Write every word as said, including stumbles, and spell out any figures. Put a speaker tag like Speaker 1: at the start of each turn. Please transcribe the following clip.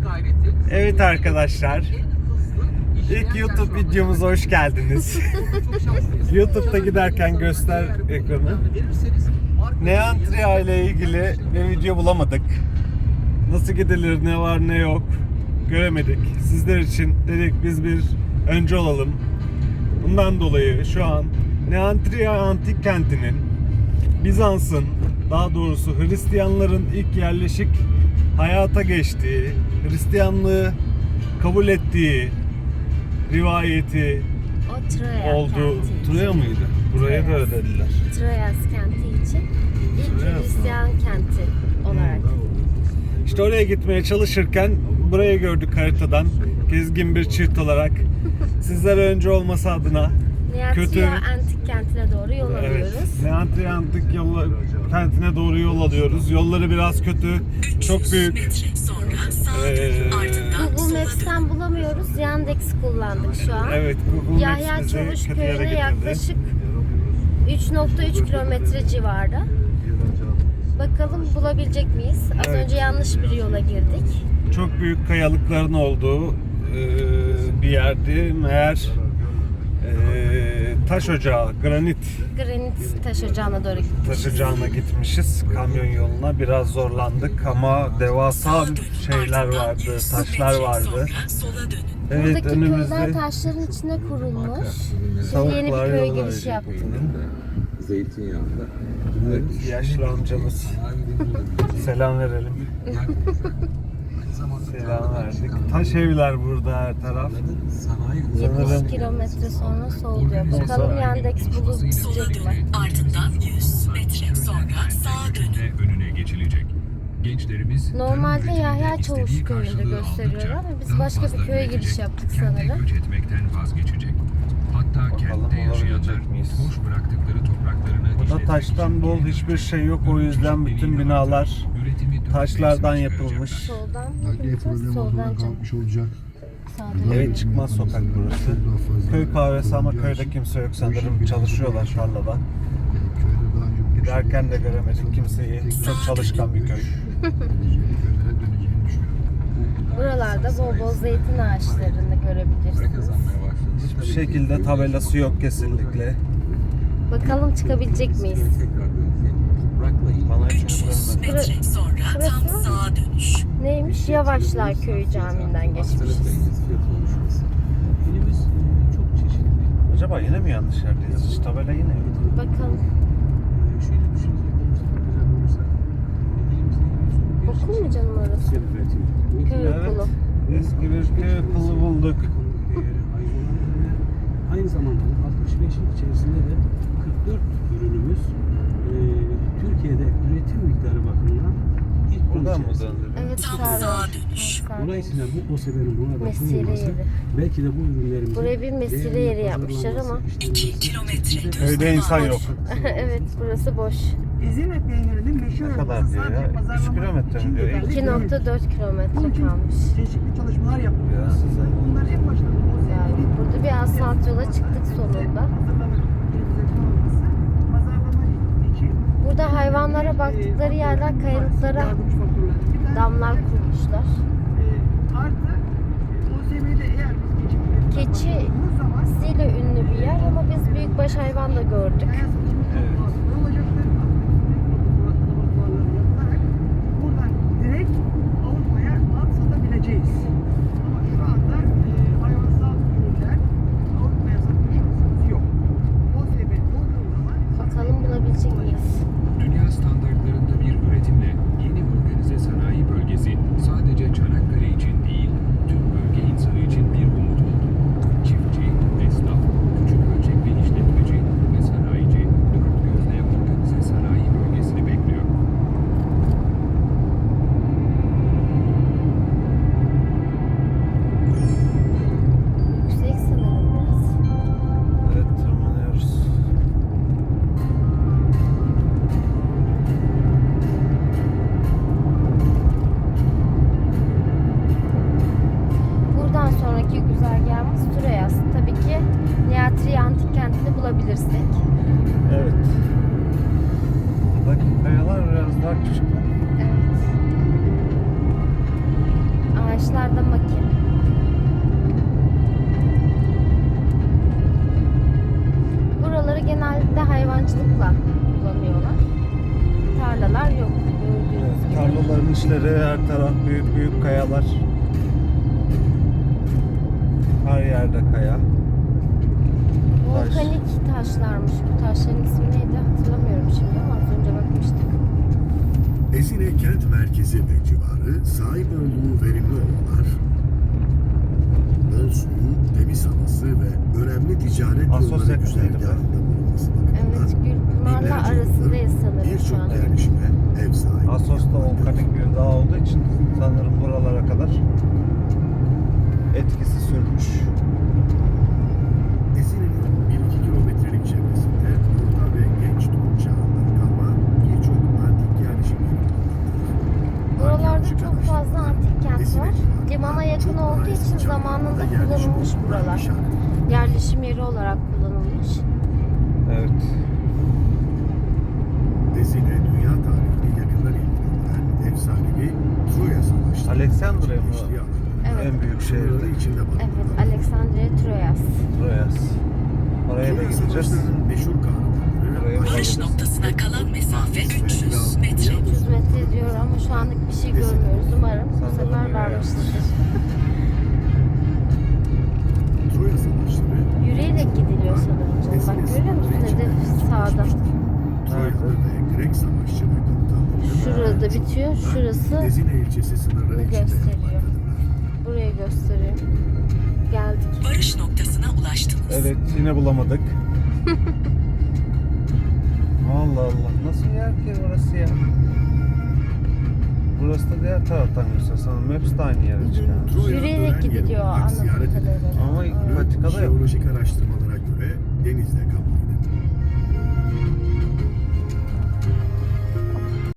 Speaker 1: Evet arkadaşlar, ilk YouTube videomuza hoş geldiniz. YouTube'da giderken göster ekranı. Neantria ile ilgili bir video bulamadık. Nasıl gidilir, ne var ne yok göremedik. Sizler için dedik biz bir önce olalım. Bundan dolayı şu an Neantria antik kentinin, Bizans'ın, daha doğrusu Hristiyanların ilk yerleşik hayata geçtiği, Hristiyanlığı kabul ettiği rivayeti
Speaker 2: O Troya
Speaker 1: oldu.
Speaker 2: kenti.
Speaker 1: Troya mıydı? Buraya da öyle dediler.
Speaker 2: Troyas kenti için ilk
Speaker 1: Troyas mı?
Speaker 2: Hristiyan kenti olarak.
Speaker 1: İşte oraya gitmeye çalışırken burayı gördük haritadan. Gezgin bir çift olarak. Sizler önce olması adına
Speaker 2: Neantria
Speaker 1: kötü-
Speaker 2: antik kentine doğru yol
Speaker 1: evet,
Speaker 2: alıyoruz.
Speaker 1: Neantria antik yolla, kentine doğru yol alıyoruz. Yolları biraz kötü. Çok büyük. Ee,
Speaker 2: Google Maps'ten bulamıyoruz. Yandex kullandık şu an.
Speaker 1: evet, Google Maps
Speaker 2: Yahya
Speaker 1: bizi
Speaker 2: Çavuş
Speaker 1: kötü yere
Speaker 2: köyüne
Speaker 1: getirdi.
Speaker 2: yaklaşık üç nokta üç kilometre civarı. Bakalım bulabilecek miyiz? Az
Speaker 1: Evet.
Speaker 2: önce yanlış bir yola girdik.
Speaker 1: Çok büyük kayalıkların olduğu e, bir yerdi. Meğer e, taş ocağı, granit
Speaker 2: Granit taş ocağına doğru gittik.
Speaker 1: taş ocağına gitmişiz. Kamyon yoluna biraz zorlandık ama devasa şeyler vardı, taşlar vardı. Evet,
Speaker 2: Buradaki köyler
Speaker 1: önümüzde
Speaker 2: taşların içine kurulmuş. Biz
Speaker 1: Tavuklar
Speaker 2: yeni bir köye
Speaker 1: yolu
Speaker 2: giriş
Speaker 1: verecek.
Speaker 2: yaptık.
Speaker 3: Zeytinyağında.
Speaker 1: Evet, yaşlı amcamız. Selam verelim. Selam verdik. Taş evler burada her taraf.
Speaker 2: yetmiş kilometre sonra sol diyor. Bakalım Yandex bulabilecek mi?
Speaker 4: Ardından yüz metre sonra sağa dönün.
Speaker 5: Önüne geçilecek. Gençlerimiz
Speaker 2: Normalde Yahya Çavuş köyünde gösteriyor ama biz başka bir köye giriş yaptık sanırım.
Speaker 5: göç etmekten vazgeçecek. Hatta kentte yaşayanlar
Speaker 1: olabilecek miyiz?
Speaker 5: boş bıraktıkları topraklarını
Speaker 1: Burada
Speaker 5: işletmek
Speaker 1: taştan
Speaker 5: için
Speaker 1: bol
Speaker 5: geri
Speaker 1: hiçbir
Speaker 5: dönecek.
Speaker 1: şey yok. O yüzden bütün binalar
Speaker 5: Üretimi dört
Speaker 1: taşlardan
Speaker 5: mevsime
Speaker 1: yapılmış.
Speaker 5: çıkaracaklar.
Speaker 2: Soldan mı
Speaker 3: Adliye
Speaker 2: gideceğiz?
Speaker 3: problemi
Speaker 2: Soldan
Speaker 3: ortadan
Speaker 2: canım.
Speaker 3: kalkmış olacak.
Speaker 2: Sağdan.
Speaker 1: Evet, çıkmaz sokak burası. Köy kahvesi ama köyde kimse yok sanırım. Çalışıyorlar tarlada.
Speaker 3: Köyde daha önce
Speaker 1: Giderken de göremedik kimseyi. Çok çalışkan bir köy.
Speaker 3: köylere döneceğini düşünüyorum.
Speaker 2: Buralarda bol bol zeytin ağaçlarını görebilirsiniz.
Speaker 1: Hiçbir şekilde tabelası yok kesinlikle.
Speaker 2: Bakalım çıkabilecek miyiz?
Speaker 1: Bana hiç
Speaker 4: üç yüz
Speaker 1: görünmedi.
Speaker 4: metre sonra tam
Speaker 2: Burası-
Speaker 4: sağa dönüş.
Speaker 2: Neymiş? Yavaşlar Köyü Camii'nden geçmişiz.
Speaker 3: Filimiz çok çeşitli.
Speaker 1: Acaba yine mi yanlış yerdeyiz? Hiç tabela yine yok.
Speaker 2: Bakalım.
Speaker 3: Şöyle düşünecek olursak, güzel olursa, elimizde
Speaker 2: Okul mu canım orası? Köy
Speaker 1: Evet.
Speaker 2: okulu.
Speaker 1: Eski bir köy okulu bulduk.
Speaker 3: Aynı zamanda altmış beşin içerisinde de kırk dört ürünümüz e, Türkiye'de üretim miktarı bakımından ilk on
Speaker 1: Buradan mı
Speaker 3: içerisinde.
Speaker 1: döndük?
Speaker 2: Evet,
Speaker 4: Tam
Speaker 2: sağ
Speaker 4: sağa dönüş.
Speaker 3: Dolayısıyla bu OSEB'nin buna da
Speaker 2: Mesire
Speaker 3: sunulması
Speaker 2: yeri.
Speaker 3: belki de bu ürünlerimizin
Speaker 2: Buraya bir mesire
Speaker 3: değerli
Speaker 2: yeri yapmışlar ama-
Speaker 3: pazarlanması,
Speaker 4: İki
Speaker 3: işlenmesi,
Speaker 4: kilometre
Speaker 3: şekilde-
Speaker 4: düz
Speaker 1: Köyde insan yok.
Speaker 2: Evet, burası boş.
Speaker 6: Ezine peynirinin meşhur
Speaker 1: Ne kadar
Speaker 6: olması
Speaker 1: diyor
Speaker 6: sadece
Speaker 1: ya? üç
Speaker 6: pazarlama
Speaker 1: kilometre mi
Speaker 6: için
Speaker 1: diyor?
Speaker 6: yeterli
Speaker 2: iki
Speaker 6: değil.
Speaker 2: nokta dört kilometre
Speaker 6: Bunun için
Speaker 2: kalmış.
Speaker 6: çeşitli çalışmalar yapılıyor.
Speaker 1: Ya size.
Speaker 6: Bunlar en başta o
Speaker 2: Yani
Speaker 6: zeytinin
Speaker 2: burada bir asfalt yola çıktık sonunda.
Speaker 6: hazırlanıp üretilecek olması, pazarlama için
Speaker 2: Burada hayvanlara baktıkları yerler kayalıklara
Speaker 6: yardımcı faktörler. Bir tane
Speaker 2: damlar kurmuşlar.
Speaker 6: e, artı o zeminde eğer biz keçi üretimi
Speaker 2: Keçi
Speaker 6: yaptığımız zaman
Speaker 2: Siyle ünlü bir yer ama biz büyükbaş hayvan da gördük.
Speaker 6: kaya seçimi
Speaker 1: Evet.
Speaker 6: ne olacaktır? Laboratuvarları yapılarak buradan direkt Avrupa'ya mal satabileceğiz. Ama şu anda e, hayvansal ürünler Avrupa'ya satma şansımız yok. O sebep olduğu zaman
Speaker 2: Bakalım bulabilecek miyiz?
Speaker 5: Dünya standartlarında bir üretimle yeni organize sanayi bölgesi sadece Çanakkale için değil, tüm bölge insanı için bir umut oldu. Çiftçi, esnaf, küçük ölçekli işletmeci ve sanayici dört gözle organize sanayi bölgesini bekliyor.
Speaker 2: Yüksek sanırım biraz.
Speaker 1: Evet, tırmanıyoruz.
Speaker 2: Buradan sonraki güzergahımız Troyas. Tabii ki Neantria antik kentini bulabilirsek.
Speaker 1: Evet. Buradaki kayalar biraz daha küçük.
Speaker 2: Evet. Ağaçlar taşlarda maki. Buraları genelde hayvancılıkla kullanıyorlar. Tarlalar yok. Gördüğünüz
Speaker 1: Evet,
Speaker 2: gibi.
Speaker 1: tarlaların içleri, her taraf büyük büyük kayalar. Her yerde kaya.
Speaker 2: Volkanik taşlarmış. Bu taşların ismi neydi hatırlamıyorum şimdi ama az önce bakmıştık.
Speaker 7: Ezine kent merkezi ve civarı sahip olduğu verimli ovalar, bol suyu, temiz havası ve önemli ticaret
Speaker 1: Assos
Speaker 7: yolları
Speaker 1: yakınıydı be.
Speaker 7: güzergahında bulunması bakımından
Speaker 2: Evet, Gülpınar'la
Speaker 7: binlerce
Speaker 2: arasındayız
Speaker 7: yıldır
Speaker 2: sanırım şu
Speaker 7: birçok
Speaker 2: an.
Speaker 7: yerleşime ev sahipliği
Speaker 1: Assos'ta
Speaker 7: yapmaktadır.
Speaker 1: volkanik bir dağ olduğu için sanırım buralara kadar etkisi sürmüş.
Speaker 7: Ezine'nin bir iki kilometrelik çevresinde Orta ve Genç Türk çağından kalma birçok antik yerleşim yeri bulunmaktadır.
Speaker 2: Buralarda
Speaker 7: Arkeolojik
Speaker 2: çok fazla antik kent
Speaker 7: Ezine
Speaker 2: var.
Speaker 7: civarında
Speaker 2: Limana yakın
Speaker 7: çok
Speaker 2: olduğu
Speaker 7: nazik
Speaker 2: için
Speaker 7: çağlarda
Speaker 2: zamanında
Speaker 7: yerleşim
Speaker 2: kullanılmış
Speaker 7: bulunan
Speaker 2: buralar.
Speaker 7: işaret.
Speaker 2: Yerleşim yeri olarak kullanılmış.
Speaker 1: Evet.
Speaker 7: Ezine dünya tarihini yakından ilgilendiren efsanevi Troya Savaşları.
Speaker 1: Alexandria mı?
Speaker 7: geçtiği alanlarda
Speaker 2: Evet.
Speaker 1: En büyük
Speaker 7: sınırları
Speaker 1: şehirde.
Speaker 7: içinde
Speaker 2: Evet,
Speaker 7: barındıran
Speaker 2: Alexandria Troyas.
Speaker 1: Troyas. Oraya da
Speaker 7: Troya
Speaker 1: gideceğiz.
Speaker 7: Savaşları'nın meşhur kahramanları
Speaker 1: Buraya
Speaker 7: Aşil,
Speaker 4: Varış noktasına kalan mesafe üç yüz metre.
Speaker 2: üç yüz metre diyor ama şu anlık bir şey görmüyoruz. Umarım bu
Speaker 1: Sanırım
Speaker 2: sefer
Speaker 1: yine
Speaker 2: varmıştır.
Speaker 7: Troya Savaşları
Speaker 2: Yürüyerek gidiliyor sanırım canım. Bak görüyor musun? Hedef sağda.
Speaker 7: Troyalı ve Grek savaşçı ve komutanlarının
Speaker 2: Şurada bitiyor. Şurası
Speaker 7: Ezine ilçesi sınırları içinde
Speaker 2: gösteriyor.
Speaker 7: yapmaktadırlar.
Speaker 2: burayı gösteriyor. Geldik.
Speaker 4: Varış noktasına ulaştınız.
Speaker 1: Evet, yine bulamadık. Allah Allah, nasıl yer ki orası ya? Burası da diğer taraftan gösteriyor. Sanırım Maps de aynı yere çıkıyor.
Speaker 7: Troya
Speaker 2: Yürüyerek
Speaker 7: ölen yeri
Speaker 2: gidiliyor
Speaker 7: olarak ziyaret
Speaker 2: anladığım
Speaker 7: edilir.
Speaker 2: kadarıyla.
Speaker 1: Ama
Speaker 2: Evet.
Speaker 1: patikada yok.
Speaker 7: Jeolojik araştırmalara göre denizle kaplıydı.